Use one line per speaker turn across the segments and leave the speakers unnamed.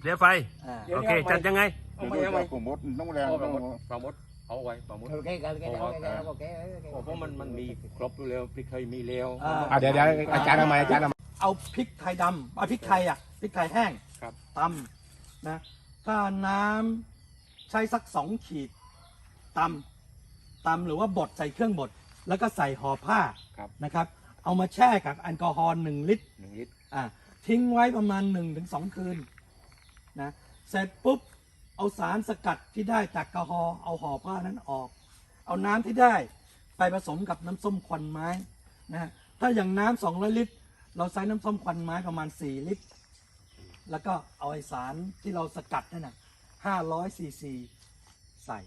เพลี้ยไฟโอเคจัดยังไง
เอาไปเอาไปผมมดต้องแรง
ปลาหมดเอาไว้ปลาหมด
โอเคโอเคโอเคโอเค
เพราะมันมีครบอยู่แล้วพริกเคยมีแล้ว
เดี๋ยวอาจารย์ทำไมอาจารย์ทำไม
เอาพริกไทยดำเอาพริกไทยพริกไทยแห้งตำนะถ้าน้ำใช้สัก2 ขีดตำหรือว่าบดใส่เครื่องบดแล้วก็ใส่ห่อผ้านะครับเอามาแช่กับแอลกอฮอล์1 ลิตรทิ้งไว้ประมาณ 1-2 คืนนะเสร็จปุ๊บเอาสารสกัดที่ได้จากแอลกอฮอล์เอาห่อผ้านั้นออกเอาน้ำที่ได้ไปผสมกับน้ำส้มควันไม้นะถ้าอย่างน้ำ200 ลิตรเราใช้น้ำส้มควันไม้ประมาณ4 ลิตรแล้วก็เอาไอสารที่เราสกัดนั่นน่ะ500 ซีซีใส่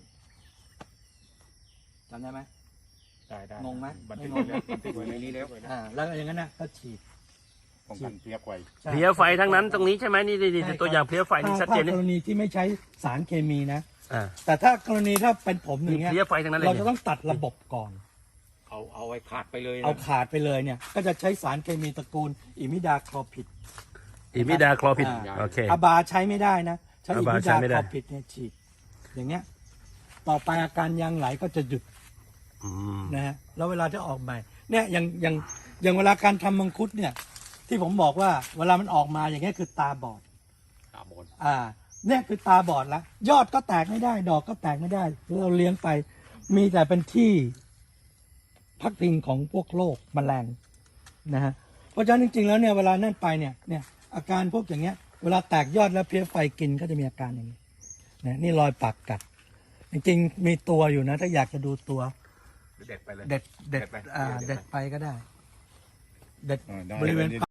จำได้ไหมได้งงไหมไม่งงนะ
ติดไว้ในนี้แล้ว
แล้วอย่างนั้นนะก็ฉีด
ป้องกันเพลี้ยไฟ
เพลี้ยไฟทั้งนั้นตรงนี้ใช่ไหมนี่ตัวอย่างเพลี้ยไฟนี่ชัดเจน
ถ้ากร
นี่
ณีที่ไม่ใช้สารเคมีนะ
อ่า
แต่ถ้ากรณีถ้าเป็นผมอย่างเงี้ย
เพลี้ยไฟทั้งนั้นเลย
เราจะต้องตัดระบบก่อน
เอาไว้ขาดไปเลย
เอาขาดไปเลยเนี่ยก็จะใช้สารเคมีตระกูลอิมิดาคลอพิด
อิมิดาคลอพิดโอเค
อาบาใช้ไม่ได้นะใช้อิมิ
อาบาใช้
ดา
ไม่
ค
ได้
ลอพิดเนี่ยฉีดอย่างเงี้ยต่อไปอาการยางไหลก็จะหยุด
อืม
นะฮะแล้วเวลาที่ออกใหม่เนี่ยอย่างเวลาการทำมังคุดเนี่ยที่ผมบอกว่าเวลามันออกมาอย่างเงี้ยคือตาบอด
ตาบอด
เนี่ยคือตาบอดแล้วยอดก็แตกไม่ได้ ดอกก็แตกไม่ได้เราเลี้ยงไปมีแต่เป็นที่พักพิงของพวกโรคแมลงนะฮะเพราะฉะนั้นจริงๆแล้วเนี่ยเวลานั่นไปเนี่ยอาการพวกอย่างเงี้ยเวลาแตกยอดแล้วเพลี้ยไฟกินก็จะมีอาการอย่างนี้นะนี่รอยปากกัดจริงๆมีตัวอยู่นะถ้าอยากจะดูตัว
เด็ดไปเลย
เด็ดไปก็ได้ เด็ดบริเวณ